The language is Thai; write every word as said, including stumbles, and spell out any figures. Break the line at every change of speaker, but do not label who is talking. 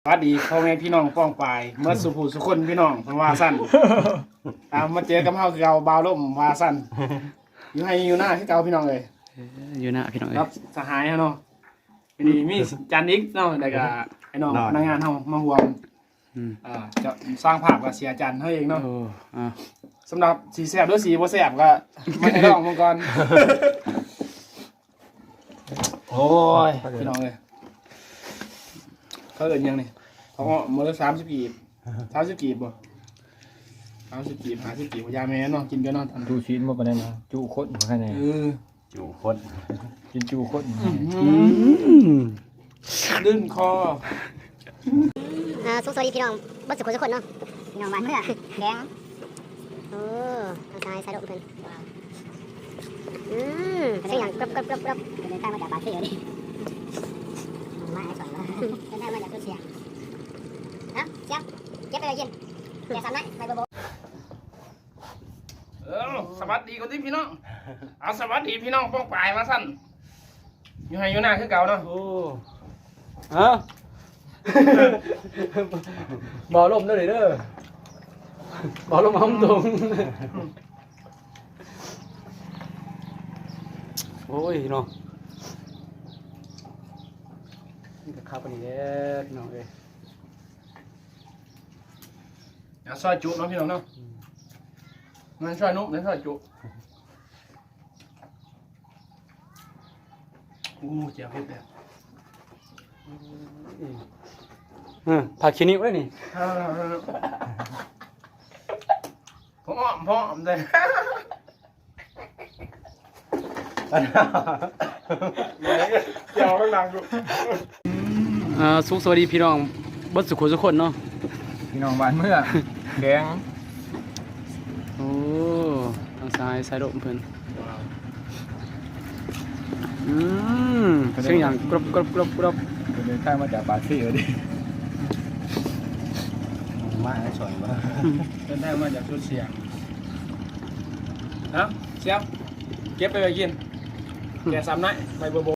สวัสดีพ่อแม่พี่น้องป้องปายเมื่อสุภูสุคนพี่น้องเพราะว่าสั้นตามมาเจอกับเฮาคือเก่าบาวล่มว่าสั้นอยู่ให้อยู่หน้าที่เก่าพี่น้องเลย
อยู่หน้าพี่น้องเอ้
รับสหายเฮาเนาะทีนี้มีจันนิกเนาะแล้วก็ไอ้น้องพนักงานเฮามาห่วง
อืม
อ่าจะสร้างภาพกับเสียจันเฮาเองเนาะ
โอ้อ่า
สำหรับสีแซ่บหรือสีบ่แซ่บก็มาให้ลองมังก่อนโอ้ยพี่น้องเลยเขาเอิ้นยังนี่เขาก็มื้อละสามสิบกีบสามสิบกีบบ่สามสิบกีบห้าสิบกีบยาแม่เนาะกินกันเนาะทัน
จูชีนมาปานนั้นนะจูโคตรมาแค่ไหน
เออ
จูโคตรกินจูโคตร
ลื่นคอ
อ่าสุขสวัสดีพี่น้องบัดสุขทุกคนเนาะพี่น้องบ้านเมื่อแดงโอ้ทางซ้ายสายดอกเพิ่นอืมเสียงอย่างกรอบกรอบกรอบกรอบเดินทางมาจากปากเสียดิมาไอ้สอนมาเดินทางมาจากตัวเสียฮะเสียงเก็บไปเลยยินเดี๋ยวสั่นไหมไปบ่บ่
เออสวัสดีคนที่พี่น้องเอาสวัสดีพี่น้องป้องปลายมาสั้นอยู่ให้อยู่หน้าคือเก่าเนาะ
โอ้ฮะบ่อลมเด้อเด้อบ่อลมห้องตรงโอ้ยน้องนี่ก็ข้าวปานนี้แหละพี่น้องเอ้ย
เอาซอยจุเนาะพี่น้องเนาะมันซอยนุ่มนั่นซอยจุอู้เจียวเผ็ดเลย
เออผักขี้นิ้วเลยนี่
ผมอ้อมผมอ้อมเลยเจียวข้างหลังดู
อ่าสุขสวัสดีพี่น้องเบัดสุขทุกคนเนาะ
พี่น้องบ้านเมื่อแดง
โอ้ทางซ้ายซ้ายดมเพิ่นอืมเสียงอย่างกรอบกรอบกรอบกรอบ
เดินทางมาจากปากเสียดิมาไอ้สอนมา
เดินทางมาจากชุดเสียงเอ้าเสียงเก็บไปไปกินแกซ้ำไหนไปโบโบ